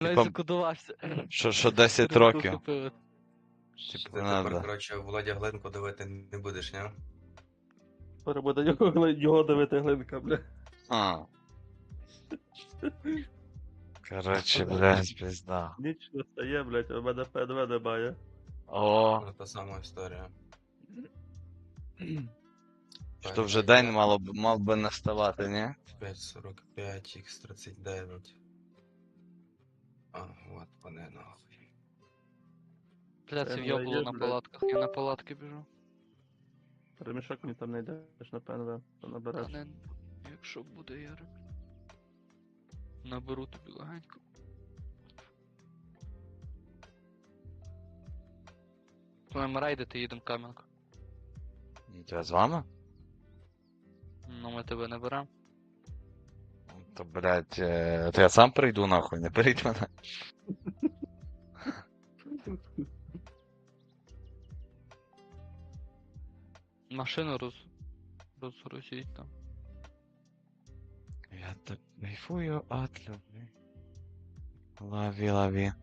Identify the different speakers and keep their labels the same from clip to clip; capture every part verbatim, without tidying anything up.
Speaker 1: Типа,
Speaker 2: Навіть закодувався.
Speaker 1: що, що десять
Speaker 2: Ринку
Speaker 1: років.
Speaker 2: купили.
Speaker 1: Типу,
Speaker 3: Ти
Speaker 1: надо.
Speaker 3: тепер, коротше, Володя Гленко дивити не будеш, ні?
Speaker 4: Тепер буде його, його дивити глинка, бля.
Speaker 1: А. Короче, блядь, пизда.
Speaker 4: Ніч не стає, блядь, у мене ПНВ немає.
Speaker 1: О,
Speaker 3: Ну, та сама історія.
Speaker 1: що вже день мало б, мав би наставати, ні?
Speaker 3: п'ять сорок п'ять, ікс тридцять дев'ять. А, от вони нахуй.
Speaker 2: Бля, це
Speaker 4: Це
Speaker 2: в'єбало
Speaker 4: є,
Speaker 2: на
Speaker 4: блядь.
Speaker 2: палатках, я на палатки біжу.
Speaker 4: Ремішок мені там не йдеш на ПНВ, то
Speaker 2: Та
Speaker 4: набереш.
Speaker 2: не, якщо буде Ярик. Наберу тобі легенько. Коли ми рейдити, їдемо в Кам'янку.
Speaker 1: Я з вами?
Speaker 2: Ну ми тебе не беремо.
Speaker 1: То, блядь, е, то я сам прийду нахуй, не беріть мене.
Speaker 2: Машину роз... розгрузіть там.
Speaker 1: Я так кайфую от любви. Лови, лови.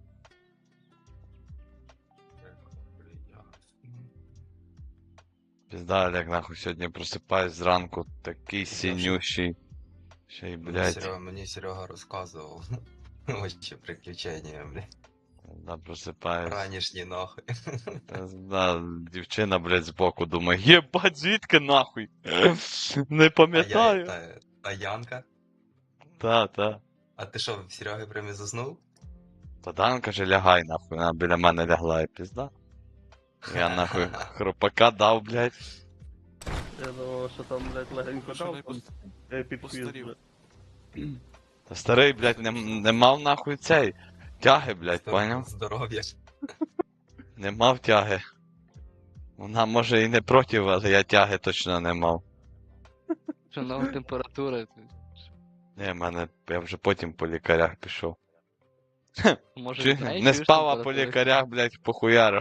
Speaker 1: Пизда, Олег, нахуй, сьогодні просипаюсь зранку, такий синющий. Ще й,
Speaker 3: Мені
Speaker 1: блядь,
Speaker 3: Серега, мені Серега розказував. Вообще приключення, блядь.
Speaker 1: да, просипаюсь.
Speaker 3: Ранішні нахуй.
Speaker 1: Да, дівчина, блядь, збоку думає, єбать, звідки нахуй? Не
Speaker 3: А, я,
Speaker 1: пам'ятаю.
Speaker 3: та, а Янка?
Speaker 1: Та, та.
Speaker 3: А ти що, в Сереги прям і заснув?
Speaker 1: Та Дан каже, лягай нахуй, вона біля мене лягла і пізда. Я нахуй хропака дав, блядь.
Speaker 4: Я думав, що там, блядь, легенько
Speaker 5: Машина
Speaker 4: дав.
Speaker 5: й
Speaker 4: там.
Speaker 5: пос-
Speaker 4: Я й підхвіз,
Speaker 5: постарів.
Speaker 4: блядь.
Speaker 1: Та старий, блядь, не, не мав нахуй цей. Тяги, блядь,
Speaker 3: Здор-
Speaker 1: поняв?
Speaker 3: Здоров'я.
Speaker 1: Не мав тяги. Вона може і не проти, але я тяги точно не мав.
Speaker 2: Що нова температура.
Speaker 1: Ні, в мене, я вже потім по лікарях пішов.
Speaker 2: Може
Speaker 1: Чи,
Speaker 2: від неї
Speaker 1: не
Speaker 2: чуєш
Speaker 1: спав, а по
Speaker 2: температуру?
Speaker 1: лікарях, блядь, похуяру.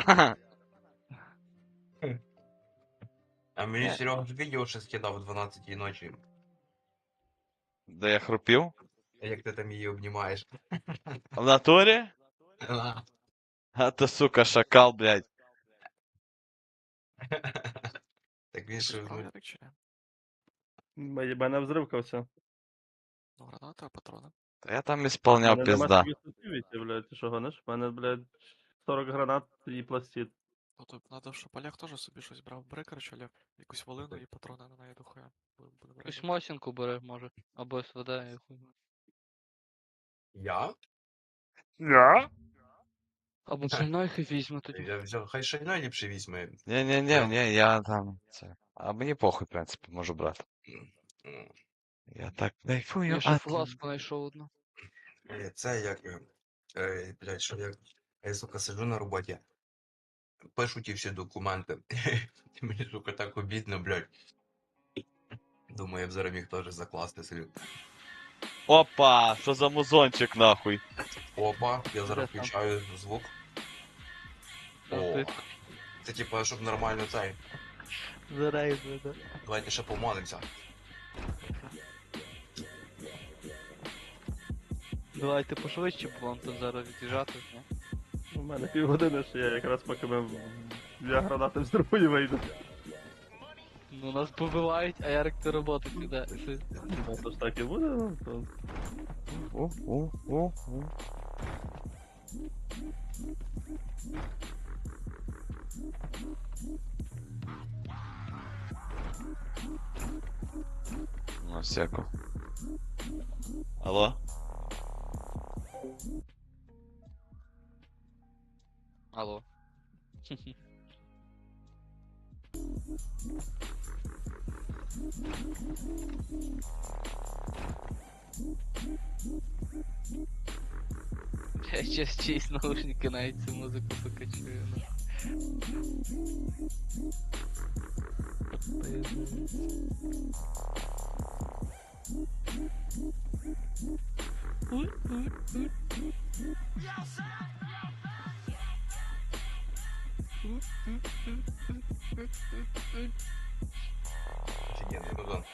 Speaker 3: А мені Серега ж відео ще скидав о дванадцятій ночі.
Speaker 1: Де я хропів?
Speaker 3: Як ти там її обнімаєш.
Speaker 1: В натурі? А то, сука, шакал, блядь.
Speaker 3: Так він
Speaker 5: Ти
Speaker 3: ж,
Speaker 5: справді
Speaker 3: ну,
Speaker 5: так чи ні?
Speaker 4: Мені- Мене взривкався.
Speaker 5: Ну, граната, патрони.
Speaker 1: Та я там ісполняв
Speaker 4: Мене нема
Speaker 1: пізда.
Speaker 4: собі сенсивіті, блядь, ти що гониш? У мене, блядь, сорок гранат і пластид.
Speaker 5: Ну, то треба, щоб Олег теж собі щось брав. Бери, коротше, Олег, якусь волину і патрони на неї дохуя. Будемо брати.
Speaker 2: Якусь мосінку бери, може. Або СВД, я хуй. знає.
Speaker 3: я?
Speaker 1: Я?
Speaker 2: Або шальнойхи візьме тоді.
Speaker 3: Я взяв, хай шайна ліпше візьме.
Speaker 1: Ні, ні, ні, ні, я там. Це. А мені похуй, в принципі, можу брати.
Speaker 3: Ну,
Speaker 1: Я так кайфую.
Speaker 2: Я ще
Speaker 1: от
Speaker 2: фласку знайшов одну.
Speaker 3: е, Це як, е, е, блядь, що я, я, сука, сиджу на роботі, пишу ті всі документи. Мені, сука, так обідно, блядь. Думаю, я б зараз міг теж закласти собі.
Speaker 1: Опа, що за музончик нахуй?
Speaker 3: Опа, я зараз
Speaker 2: Де там?
Speaker 3: включаю звук. О,
Speaker 2: Ти
Speaker 3: це типа, щоб нормально цей.
Speaker 2: зарейзли, да?
Speaker 3: Давайте ще помолимося.
Speaker 2: Давайте пошвидше, бо вам тут зараз від'їжджати. ні?
Speaker 4: У мене півгодини ще є, якраз поки ми в- я гранати взриву вийду.
Speaker 2: Ну нас побивають, а Ярик до роботи піде. Си-
Speaker 4: Ну, то ж так і буде, ну, то...
Speaker 1: О, о, о, о. Ну, всяко. Алло?
Speaker 2: Алло. Я сейчас чисть наушники навіть цю музику сука чую.
Speaker 3: Офігенний музон.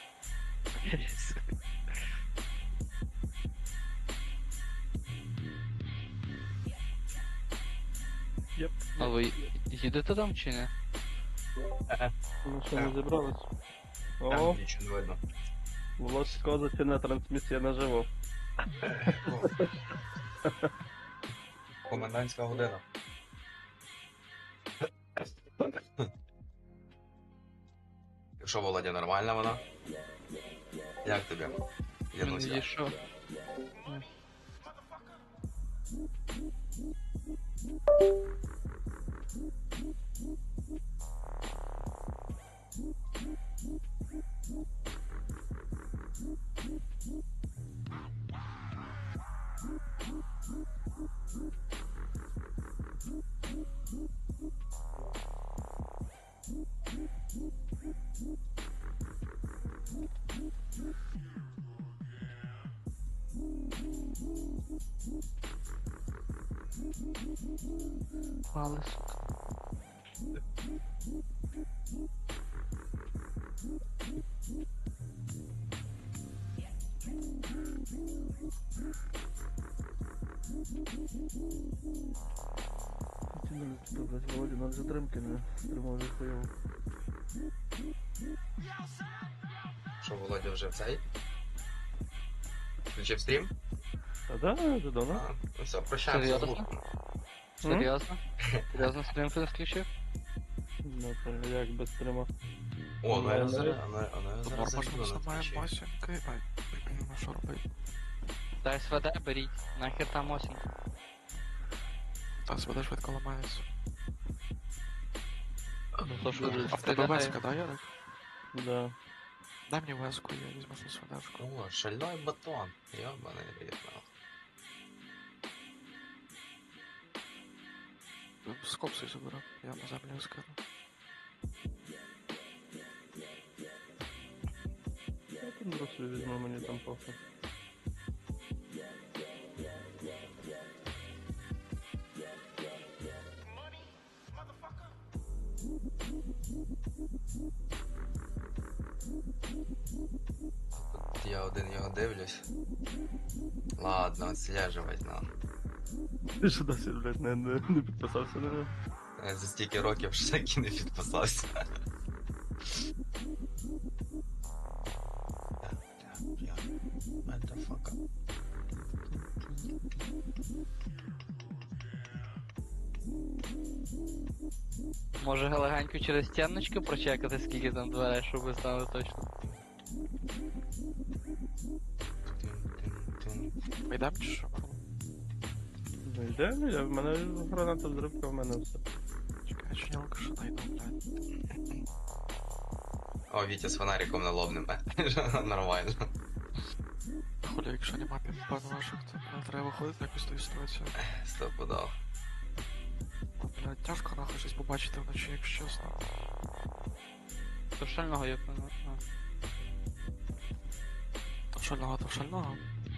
Speaker 4: Єп.
Speaker 2: А ви їдете там чи ні?
Speaker 4: Ну що, не зібрались? О,
Speaker 3: Там нічого не видно.
Speaker 4: Волосько затягне трансмісія наживо.
Speaker 3: О. Комендантська година. Що, Володя, нормальна вона? Як тобі? Януся?
Speaker 2: Є що? Пали, сука.
Speaker 4: Тянули, що, блядь, Володя, нам затримки не тримав вже хуйово.
Speaker 3: Що, Володя вже в цей? Включив стрім?
Speaker 4: А да, вже давно.
Speaker 3: А, ну все, прощаємося з
Speaker 2: Серйозно?
Speaker 3: гуртом.
Speaker 2: Серйозно? Серйозно стрім не включив?
Speaker 4: Ну, то як без стрима.
Speaker 3: О, ну я
Speaker 4: Ну,
Speaker 3: зараз, а ну, а ну я
Speaker 5: Добре,
Speaker 3: зараз
Speaker 5: може
Speaker 3: зайду
Speaker 5: ми
Speaker 3: на
Speaker 5: знімаємо
Speaker 3: Твічі.
Speaker 5: масінки, ай, ну що робити?
Speaker 2: Та СВД беріть, нахер там осінь.
Speaker 5: Та СВД швидко ламається.
Speaker 2: Ну то що,
Speaker 5: А в тебе
Speaker 2: стріляє?
Speaker 5: веска, да, Ярик?
Speaker 4: Да.
Speaker 5: Дай мені веску, я візьму на СВДшку.
Speaker 3: О, шальной батон. Ёбаный рит, нахуй.
Speaker 5: З копсою заберу, я на землю скину.
Speaker 4: Я там бросу візьму, мені там похуй.
Speaker 3: Я один його дивлюсь. Ладно, отслеживать нам.
Speaker 4: Ти що досі, блядь, не, не, не підписався на нього?
Speaker 3: Я за стільки років ще так і не підписався. Motherfucker.
Speaker 2: Може легенько через стіночки прочекати, скільки там дверей, щоб ви знали точно.
Speaker 5: Ми йдемо чи що?
Speaker 4: Ну йде, ну я, в мене граната взривка, в мене все.
Speaker 5: Чекай, чи нілка що найду, блядь.
Speaker 3: О, Вітя з фонариком налобним. Нормально.
Speaker 5: Хуля, якщо нема пін ваших, то блядь, треба виходити якось з тої ситуації.
Speaker 3: Стопудов.
Speaker 5: Блядь, тяжко нахуй щось побачити вночі, якщо чесно.
Speaker 2: То шального є певно.
Speaker 5: То шального, то шального.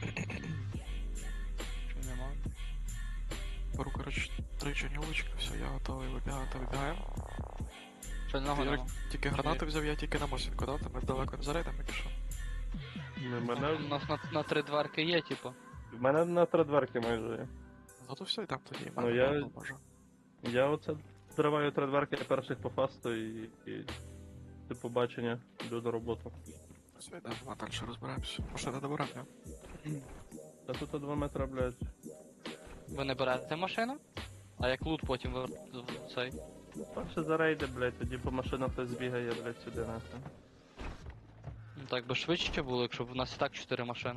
Speaker 2: Чому нема?
Speaker 5: Беру, коротше, три чорнілочки, все, я готовий вибігати, вибігаємо.
Speaker 2: Шального
Speaker 5: Ярик,
Speaker 2: нема.
Speaker 5: тільки гранату взяв, я тільки на мосінку, да? Ми далеко не зарейдемо, якщо.
Speaker 4: Ну, в
Speaker 2: У
Speaker 4: мене,
Speaker 2: нас на, на три дверки є, типу.
Speaker 4: в мене на три дверки майже є.
Speaker 5: Ну то все, йдемо тоді,
Speaker 4: Ну,
Speaker 5: мене
Speaker 4: я-
Speaker 5: я... може.
Speaker 4: Я оце триваю три дверки перших по фасту і, і до побачення, йду на роботу.
Speaker 5: Все, йдемо, а далі розберемося. Машина добирати, ні?
Speaker 4: Та тут два метри, блядь.
Speaker 2: Ви не берете машину? А як лут потім ви в цей?
Speaker 4: Перше зарейди, блядь, тоді по машинах хтось збігає, блядь, сюди нахуй.
Speaker 2: Ну так би швидше було, якщо б у нас і так чотири машини.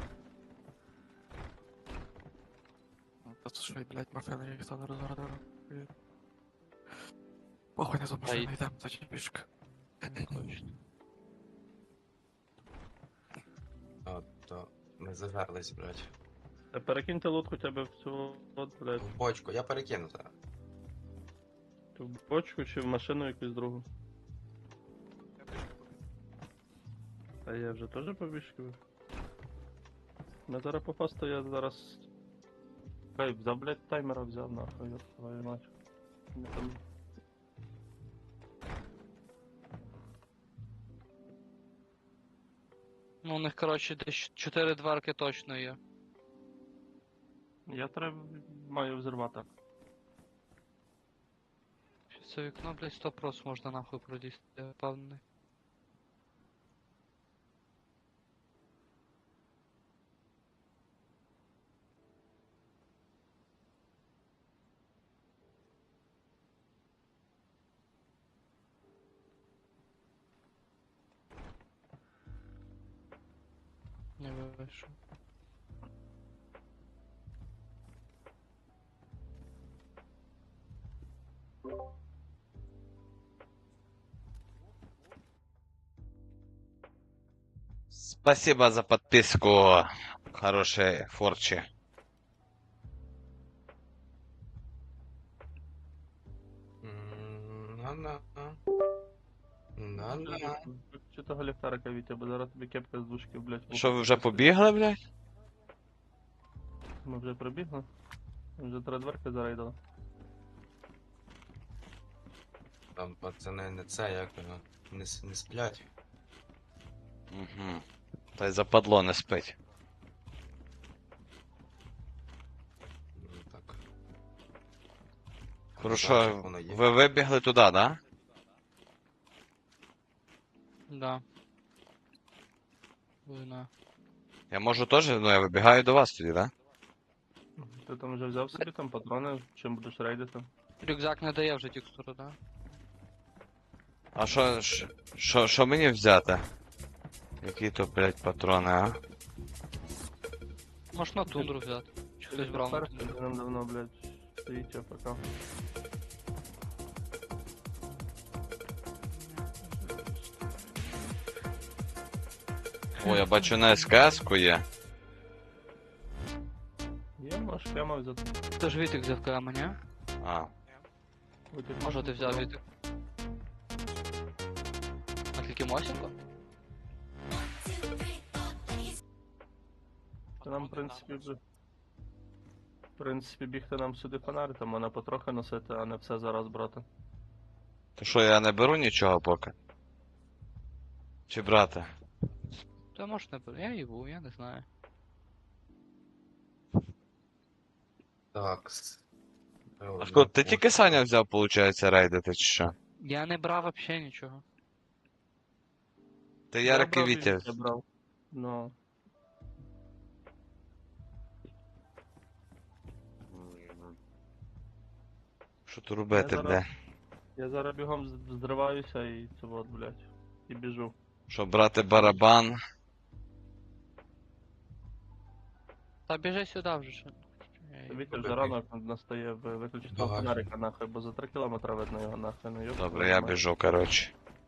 Speaker 5: Та тут що, блядь, машина ніхто не розгородив. Похуй не за машину,
Speaker 2: й-
Speaker 5: йдемо, тоді пішки.
Speaker 2: Точно.
Speaker 3: От, то ми зажерлись, блядь.
Speaker 4: Та перекиньте лут хоча б в цю, от, блядь,
Speaker 3: В бочку, я перекину зараз.
Speaker 4: в бочку чи в машину якусь другу. А я вже теж побіжкую. Ну зараз по фасту я зараз... Хай, взяв, блядь, таймера взяв, нахуй, я твою мать. Ми там...
Speaker 2: Ну у них, коротше, десь чотири дверки точно є.
Speaker 4: Я треба маю взірвати.
Speaker 2: це вікно, блядь, сто прос можна нахуй пролізти, я впевнений. Не вийшов.
Speaker 1: Спасибо за подписку, хорошие форчи.
Speaker 3: М, На-на. На-на.
Speaker 4: Чи того ліхтарика, Вітя, бо зараз тобі кепка з дужки, блядь. в
Speaker 1: Що,
Speaker 4: ухо
Speaker 1: ви вже
Speaker 4: посвітить.
Speaker 1: побігли, блядь?
Speaker 4: Ми вже прибігли. Ми вже три дверки зарейдили.
Speaker 3: Там пацани не це, як воно, не, с- не сплять.
Speaker 1: Угу. Та й западло не спить.
Speaker 3: Ну, так.
Speaker 1: Хорошо,
Speaker 3: Значить, воно є.
Speaker 1: ви вибігли туди, да?
Speaker 2: Да. Вина.
Speaker 1: Я можу теж, ну я вибігаю до вас тоді, да?
Speaker 4: Ти там вже взяв собі там патрони, чим будеш рейдити?
Speaker 2: Рюкзак не дає вже текстуру, да?
Speaker 1: А що, що- що, що мені взяти? Які то, блядь, патрони, а?
Speaker 2: Можеш на тундру взяти. Чи хтось брав на
Speaker 4: Перший
Speaker 2: тундру?
Speaker 4: нам давно, блядь, стоїть АФК.
Speaker 1: О, я бачу на СКС-ку є.
Speaker 4: Є, можеш прямо взяти.
Speaker 2: Ти ж Вітик взяв КМ, ні?
Speaker 1: А,
Speaker 4: Витяг
Speaker 2: Може
Speaker 4: можна
Speaker 2: ти взяв
Speaker 4: взяти.
Speaker 2: Вітик? А тільки Мосінко?
Speaker 4: Та нам, в принципі, вже... В принципі, бігти нам сюди фонарь, там вона потрохи носити, а не все зараз брати.
Speaker 1: то що, я не беру нічого поки? Чи брати?
Speaker 2: Та може не беру. Я їбу, я не знаю.
Speaker 3: Так. с-
Speaker 1: А що, ти тільки Саня взяв, виходить, рейдити, чи що?
Speaker 2: Я не брав вообще нічого.
Speaker 1: Ти
Speaker 4: Я
Speaker 1: Ярик і
Speaker 4: брав,
Speaker 1: Вітя.
Speaker 4: Я брав. Ну,
Speaker 1: Що тут робити,
Speaker 4: Я
Speaker 1: бля?
Speaker 4: зараз- я зараз бігом з- зриваюся і це от, блядь, і біжу.
Speaker 1: Що брати барабан?
Speaker 2: Та біжи сюди вже ще. Я їбу.
Speaker 4: Вітя
Speaker 3: Добре.
Speaker 4: вже ранок настає, ви- виключити того
Speaker 3: Багажник.
Speaker 4: фонарика нахуй, бо за три кілометри видно його нахуй, ну йоп.
Speaker 1: Добре, я біжу, коротше.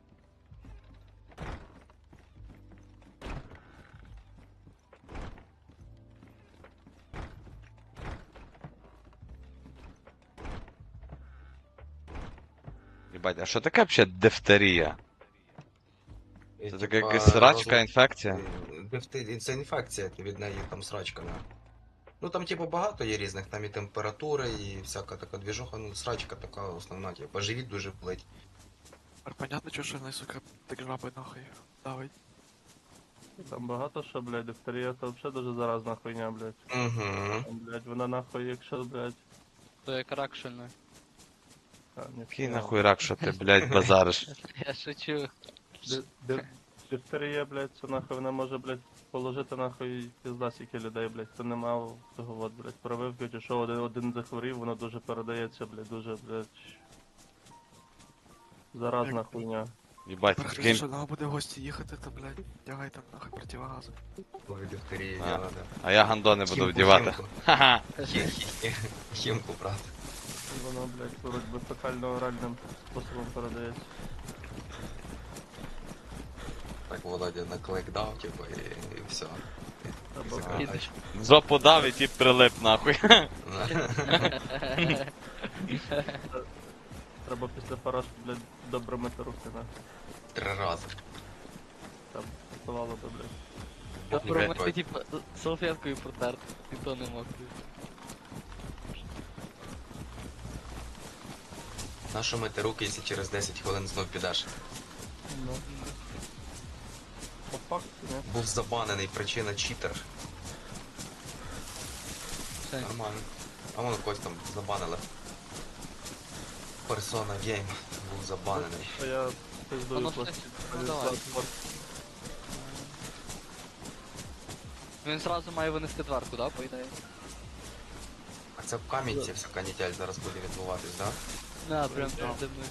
Speaker 1: Єбать, а що таке взагалі дифтерія? Це така якась срачка, інфекція?
Speaker 3: Дифти- Це інфекція, від неї там срачка. на. Ну там, типу, багато є різних, там і температура, і всяка така двіжуха, ну срачка така основна, типу, живіт дуже плить.
Speaker 5: Тепер понятно, чого що не, сука, так жаби нахуй давить.
Speaker 4: Там багато що, блядь, дифтерія це взагалі дуже заразна хуйня, блядь.
Speaker 3: Угу.
Speaker 4: Там, блядь, вона нахуй, якщо, блядь,
Speaker 2: То як рак шильний.
Speaker 4: а, ні,
Speaker 1: Який
Speaker 4: хуйня.
Speaker 1: нахуй рак, що ти, блядь, базариш?
Speaker 2: Я шучу.
Speaker 4: Ди- ди- Дифтерія, блядь, це нахуй вона може, блядь, положити нахуй пізда скільки людей, блядь, хто не мав того от, блядь, прививки, чи що один, один захворів, воно дуже передається, блядь, дуже, блядь, заразна
Speaker 5: Як-
Speaker 4: хуйня.
Speaker 1: Єбать,
Speaker 5: Тепер
Speaker 1: таким...
Speaker 5: що нам буде в гості їхати, то, блядь, тягай там нахуй противогази.
Speaker 3: Коли дифтерії
Speaker 1: А.
Speaker 3: діла, да.
Speaker 1: А я гандони буду
Speaker 3: Хімку,
Speaker 1: вдівати.
Speaker 3: хімку.
Speaker 1: Ха-ха.
Speaker 3: Хі- хі- Хімку, брат.
Speaker 4: І воно, блядь, вроді фекально-оральним способом передається.
Speaker 3: Так Володя наклик дав, типу, і, і все.
Speaker 4: Або
Speaker 3: Закривай.
Speaker 2: Їдеш.
Speaker 1: В жопу дав і ті прилип, нахуй.
Speaker 4: Треба після поражки, блядь, добре мити руки, нахуй.
Speaker 3: Три рази.
Speaker 4: Там готувало би, блядь.
Speaker 2: Та
Speaker 3: Блядь,
Speaker 2: промити,
Speaker 3: Вадь.
Speaker 2: типа, салфеткою протерти. І то не мог.
Speaker 3: Нащо мити руки, якщо через десять хвилин знов підеш?
Speaker 4: Ну. По факту, не?
Speaker 3: Був забанений, причина читер.
Speaker 2: Все.
Speaker 3: Нормально. А воно когось там забанили. Persona Game був забанений.
Speaker 4: А я
Speaker 2: А
Speaker 4: пиздую
Speaker 2: ну,
Speaker 4: пластик.
Speaker 2: ну, давай. Він зразу має винести дверку, да, по ідеї?
Speaker 3: А це в Кам'янці вся канітель зараз буде відбуватись, да?
Speaker 2: Да, прям передо мною.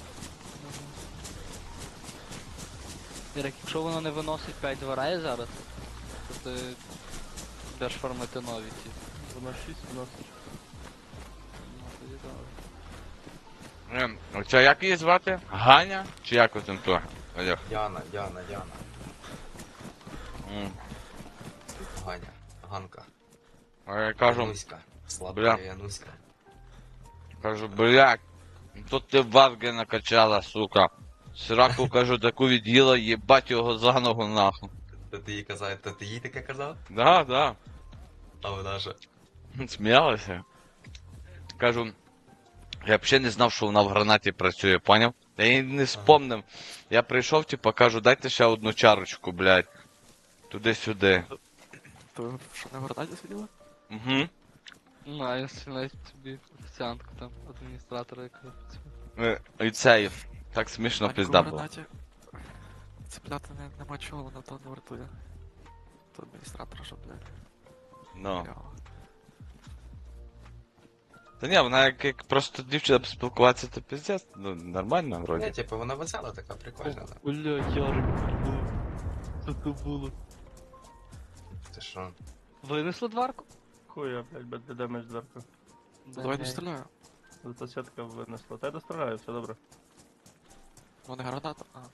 Speaker 2: Ірик, якщо воно не виносить п'ять дверей зараз, то ти будеш формити нові ці.
Speaker 4: Воно шість вносить.
Speaker 2: Ну, тоді добре.
Speaker 1: Ем, Оця як її звати? Ганя? Чи як там то? Олег.
Speaker 3: Яна, Яна, Яна.
Speaker 1: М.
Speaker 3: Ганя, Ганка.
Speaker 1: А я кажу,
Speaker 3: Януська. Сладка
Speaker 1: Бля.
Speaker 3: Януська.
Speaker 1: кажу, блядь, тут ти варги накачала, сука. Сраку, кажу, таку від'їла, їбать його за ногу нахуй.
Speaker 3: То ти їй казав, то ти їй таке казав?
Speaker 1: Да, да.
Speaker 3: А вона же.
Speaker 1: Сміялася. Кажу, я взагалі не знав, що вона в гранаті працює, поняв? Я її не спомнив. Я прийшов, типа, кажу, дайте ще одну чарочку, блядь. Туди-сюди.
Speaker 5: То ви що на городаді сиділи?
Speaker 1: Угу.
Speaker 2: Ну, а я навіть собі офіціантку там, адміністратора якогось.
Speaker 1: І цей. Так смішно пизда була.
Speaker 5: городаді цепляти не, нема чого, воно то не вартує. То адміністратора, що, блядь.
Speaker 1: Ну.
Speaker 5: Кльово.
Speaker 1: Та ні, вона як, як просто дівчина поспілкуватися, то пиздець, ну нормально
Speaker 3: Ні,
Speaker 1: вроді.
Speaker 3: типу, вона весела така, прикольна. да.
Speaker 2: Блядь, Ярик, що це було?
Speaker 3: Ти що?
Speaker 2: Винесли дверку?
Speaker 4: Хуя, блядь, без демедж дверка.
Speaker 5: Ну, давай достріляю.
Speaker 4: Зато сітка винесла. Та я достріляю, все добре.
Speaker 5: Вони граната. А,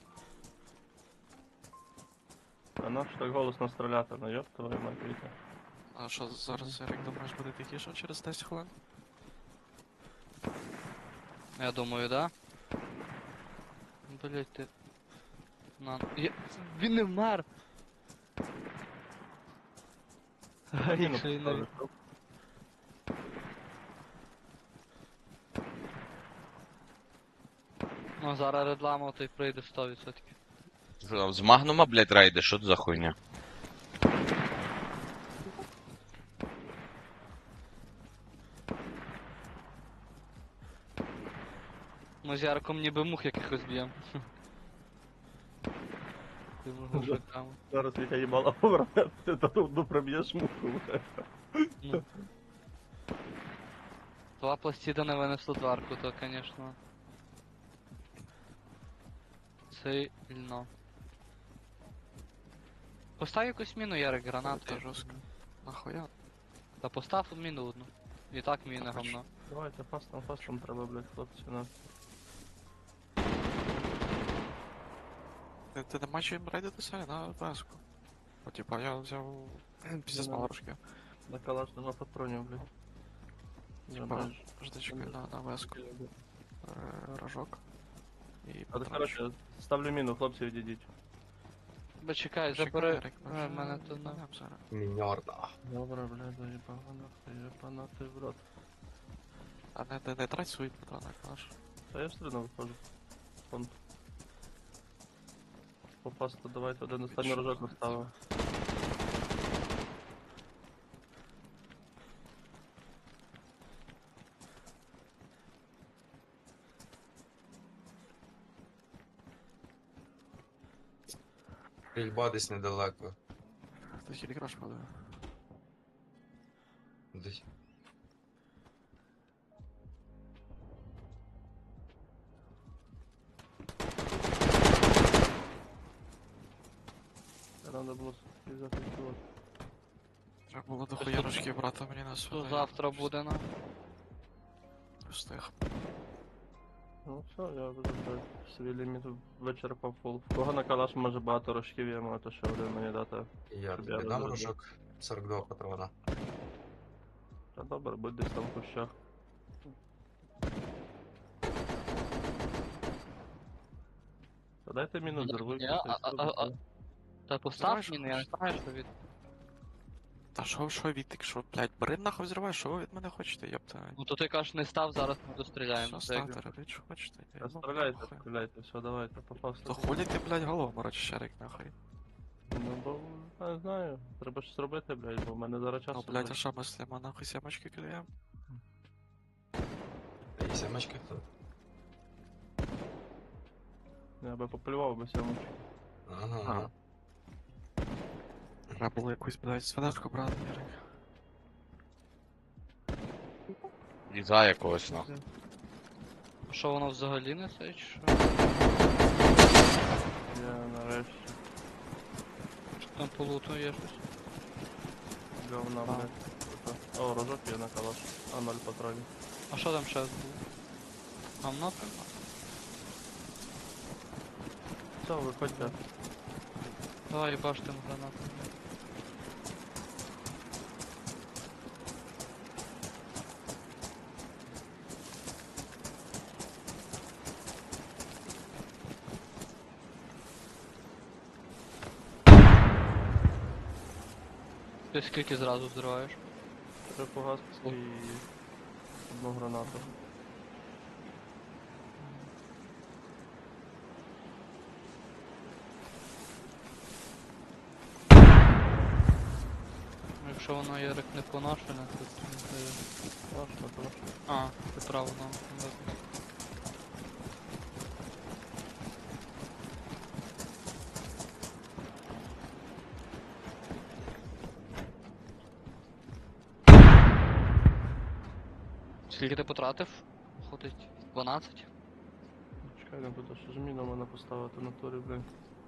Speaker 4: А ну ж так голосно стріляти, ну йоп твою мать, Вітя.
Speaker 5: а що зараз, Ерік, думаєш, буде тихіше через десять хвилин?
Speaker 2: Я думаю, да? Блять, ти. На. Я... Він не вмер! Ай,
Speaker 4: Міну
Speaker 2: якщо він не...
Speaker 4: поставлю.
Speaker 2: Ну, зараз редлама той прийде сто відсотків.
Speaker 1: Що там, з магнума, блядь, рейди, що це за хуйня?
Speaker 2: Ми з Яриком ніби мух якихось б'єм. Ти
Speaker 4: Вже.
Speaker 2: там.
Speaker 4: Зараз Вітя їбала поверне, ти то одну проб'єш муху, блядь.
Speaker 2: Ну. Два пластида не винесло дверку, то, конечно. Сильно. Постав якусь міну, Ярик, гранату.
Speaker 5: Це жорстко. Нахуя?
Speaker 2: Та постав міну одну. І так міна
Speaker 5: Хочу.
Speaker 2: гамно.
Speaker 4: Давайте фастом, фастом треба, блядь, хлопці, ну.
Speaker 5: Ти, ти не маєш їм рейдитися на веску? О, типа, я взяв піздець
Speaker 4: Ну,
Speaker 5: мало рожків.
Speaker 4: На калаш нема патронів, блядь.
Speaker 5: Типа,
Speaker 4: Забежь.
Speaker 5: жди чекай на, на веску. Е, Рожок. І
Speaker 4: А,
Speaker 5: патрончик.
Speaker 4: коротше, ставлю міну, хлопці, відійдіть.
Speaker 2: Бо чекай,
Speaker 5: Чекай,
Speaker 2: забери.
Speaker 5: Ерік, ми
Speaker 2: Е,
Speaker 5: вже
Speaker 2: мене то на.
Speaker 5: їбанем зараз.
Speaker 3: Міньорда.
Speaker 4: Добре, блядь, заїбав, нахуй, єбана ти в рот.
Speaker 5: А не, не, не трать свої патрони, наш.
Speaker 4: Та я все одно виходжу. Фонд. Попасти, давайте один останній рожок наставив.
Speaker 3: Стрільба десь недалеко.
Speaker 5: Ти хілікраш падає.
Speaker 3: Десь.
Speaker 4: Треба було взяти чувак.
Speaker 5: Треба було до хуя рожків брати мені на
Speaker 2: Що
Speaker 5: сюди.
Speaker 2: завтра буде на.
Speaker 5: Встиг.
Speaker 4: Ну все, я вже блядь, свій ліміт вичерпав фул. В кого на калаш може багато рожків, я можу ще один мені дати.
Speaker 3: Я
Speaker 4: Щоб
Speaker 3: тобі
Speaker 4: я
Speaker 3: дам
Speaker 4: розробив.
Speaker 3: рожок. сорок два патрона.
Speaker 4: Та добре, будь десь там в кущах. Та дайте міну зервуй.
Speaker 2: Ні, а- а- а- а- Та постав
Speaker 5: Знаєш,
Speaker 2: міну, я не
Speaker 5: хочеш?
Speaker 2: знаю, що від.
Speaker 5: Та що, що Вітик, що, блядь, бери нахуй взривай, що ви від мене хочете, ёпта.
Speaker 2: Ну то ти кажеш, не став, зараз ми достріляємо.
Speaker 5: Що
Speaker 2: Це як-
Speaker 5: ставте, робіть, що хочете. я
Speaker 4: Та
Speaker 5: їбу,
Speaker 4: стріляйте,
Speaker 5: нахуй.
Speaker 4: стріляйте, все, давайте, попав.
Speaker 5: То хулі ти, блядь, голову морочиш, Шарик, нахуй.
Speaker 4: Ну бо, не знаю, треба щось робити, блядь, бо в мене зараз часу.
Speaker 5: Ну, блядь, а що ми з Лема нахуй сімочки кидаємо?
Speaker 3: Та і сімочки хто?
Speaker 4: Я би поплював би сьому.
Speaker 3: Ага.
Speaker 5: Треба було якусь, блядь, свинешку брати, Ярик.
Speaker 1: Діза якогось нахуй.
Speaker 2: А що воно взагалі не це, чи що?
Speaker 4: Я нарешті
Speaker 2: Чи там по луту є щось?
Speaker 4: говна,
Speaker 2: А.
Speaker 4: блядь. Ото. О, рожок є на калаш. А ноль патронів.
Speaker 2: А що там ще було? Гамно прямо?
Speaker 4: Все, виходьте.
Speaker 2: Давай баштим гранату. Ти скільки зразу взриваєш?
Speaker 4: Три погаски і одну гранату.
Speaker 2: Якщо воно Ярик не поношене, то не знаю.
Speaker 4: Важко, тому що.
Speaker 2: А, ти право, ну. ну, Скільки ти потратив? Ходить дванадцять?
Speaker 4: Чекай, не буду, що ж міну мене поставити на турі, блін.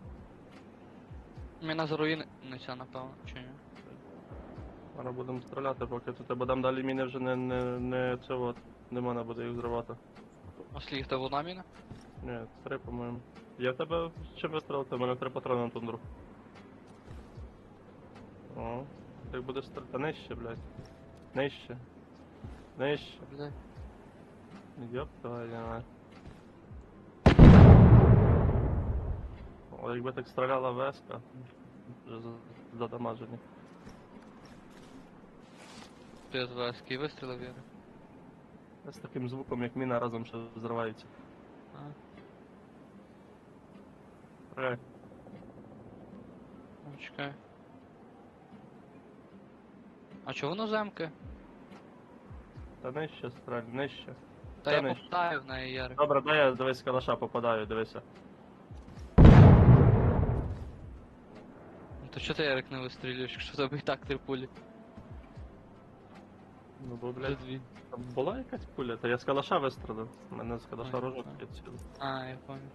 Speaker 2: Міна заруїниться, напевно, чи ні?
Speaker 4: Зараз будемо стріляти, поки тут будемо далі міни вже не, не, не це от. Не мене буде їх зривати.
Speaker 2: А скільки тебе одна міна?
Speaker 4: Ні, три, по-моєму. Я в тебе чим вистрілити? У мене три патрони на тундру. О, ти будеш стріляти нижче, блядь. Нижче. Нижче.
Speaker 2: Блядь.
Speaker 4: Йоп, давай, давай. О, якби так стріляла веска, вже за- задамажені.
Speaker 2: Ти з ВСК вистрілив, Ярик?
Speaker 4: З таким звуком, як міна разом ще взривається.
Speaker 2: А.
Speaker 4: Ей,
Speaker 2: Ну, чекай. А чого воно земки?
Speaker 4: та нижче стрель, нижче.
Speaker 2: Та
Speaker 4: Та
Speaker 2: я
Speaker 4: нижче.
Speaker 2: попитаю в неї, Ярик.
Speaker 4: Добре, дай я дивись калаша попадаю, дивися.
Speaker 2: Ну то чого ти, Ярик, не вистрілюєш, якщо в тебе і так три пулі?
Speaker 4: Ну бо,
Speaker 2: Вже
Speaker 4: блядь,
Speaker 2: дві.
Speaker 4: там була якась пуля, та я з калаша вистрелив. У мене з калаша
Speaker 2: Ой,
Speaker 4: рожок
Speaker 2: так.
Speaker 4: відсюди.
Speaker 2: А, я пам'ятаю.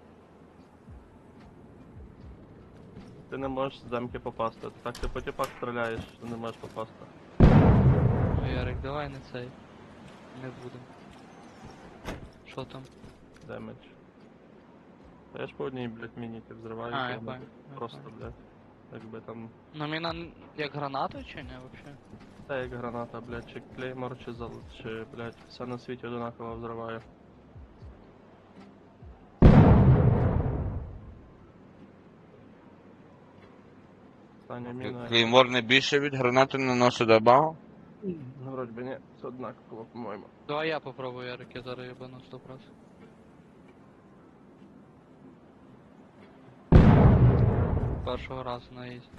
Speaker 4: Ти не можеш з замки попасти. Так ти по тіпах стріляєш, що не можеш попасти.
Speaker 2: Ну, Ярик, давай не цей. Не будем. Що там?
Speaker 4: Демедж. Та я ж по одній, блядь, мініки взриваю.
Speaker 2: А,
Speaker 4: то
Speaker 2: я
Speaker 4: воно
Speaker 2: понял. я
Speaker 4: Просто,
Speaker 2: понял.
Speaker 4: блядь. Якби там.
Speaker 2: Ну міна н- як гранату чи не вообще?
Speaker 4: Та як граната, блядь, чи клеймор, чи зал, чи, блядь, все на світі одинаково взриваю. Остання міна.
Speaker 1: Клеймор не більше від гранати наносить добаву?
Speaker 4: Ну, вроді би ні, це однаково, по-моєму.
Speaker 2: Давай я попробую, Ярик, я зараз єбану сто процентів. Першого разу на ізі.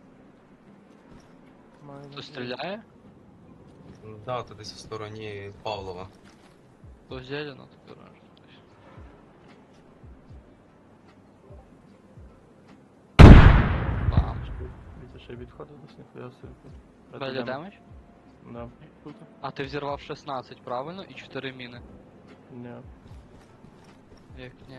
Speaker 4: Маю
Speaker 2: Хто стріляє?
Speaker 3: Да, то десь в стороні Павлова.
Speaker 2: То зелено, то коротше. Бам.
Speaker 4: Вітя ще й відходив десь ніхуя собі.
Speaker 2: Далі демедж?
Speaker 4: Да. Круто.
Speaker 2: А ти взірвав шістнадцять, правильно? І чотири міни.
Speaker 4: Ні.
Speaker 2: Як ні.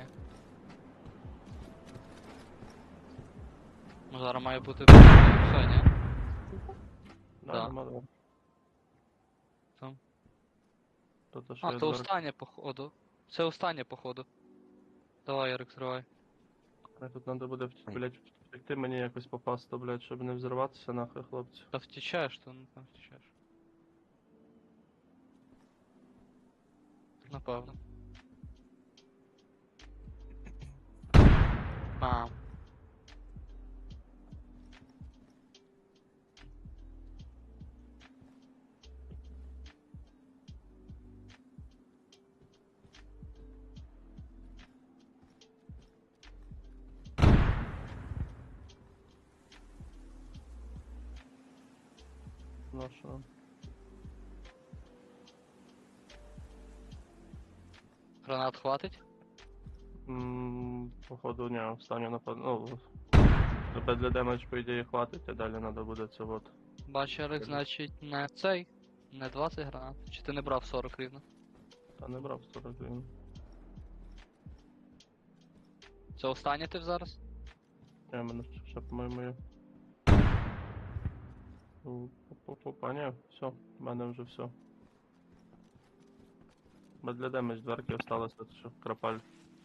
Speaker 2: Ну зараз має бути все, ні?
Speaker 4: Да,
Speaker 2: Да.
Speaker 4: нема, да.
Speaker 2: Там.
Speaker 4: То, то, що
Speaker 2: А,
Speaker 4: я
Speaker 2: то
Speaker 4: зверху-
Speaker 2: останнє походу. Це останнє походу. Давай, Ярик, зривай.
Speaker 4: Мене Тут треба буде, вт- блядь, втекти мені якось попасти, блядь, щоб не взриватися нахуй, хлопці.
Speaker 2: Та втічаєш, то ну там втічаєш. Напевно. Бам.
Speaker 4: Ну що?
Speaker 2: Гранат хватить?
Speaker 4: М, М, Походу, ні, останню напад... Ну, тебе для демедж, по ідеї, хватить, а далі треба буде це от.
Speaker 2: Бач, Ярик, значить, не цей, не двадцять гранат. Чи ти не брав сорок рівно?
Speaker 4: Та не брав сорок гривень.
Speaker 2: Це останнє ти зараз?
Speaker 4: Я мене ще, ще по-моєму, є. Ну, Опа, ні, все, в мене вже все. Бо для демедж дверки осталося, що крапаль.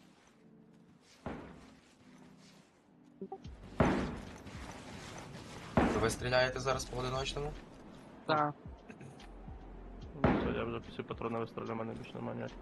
Speaker 3: Ви стріляєте зараз по одиночному?
Speaker 2: Так.
Speaker 4: Ну, все, я вже всі патрони вистріляю, в мене більше немає ніяких.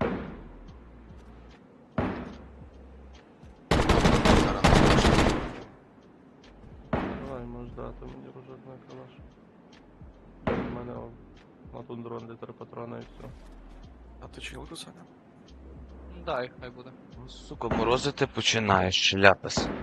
Speaker 3: Зараз на одиночному.
Speaker 4: Давай, можеш дати мені ружок на калаш. У мене о, на тундрон де три патрони і все.
Speaker 5: А ти чилку, Саня?
Speaker 2: Дай, хай буде.
Speaker 1: Сука, морозити починаєш, ляпас.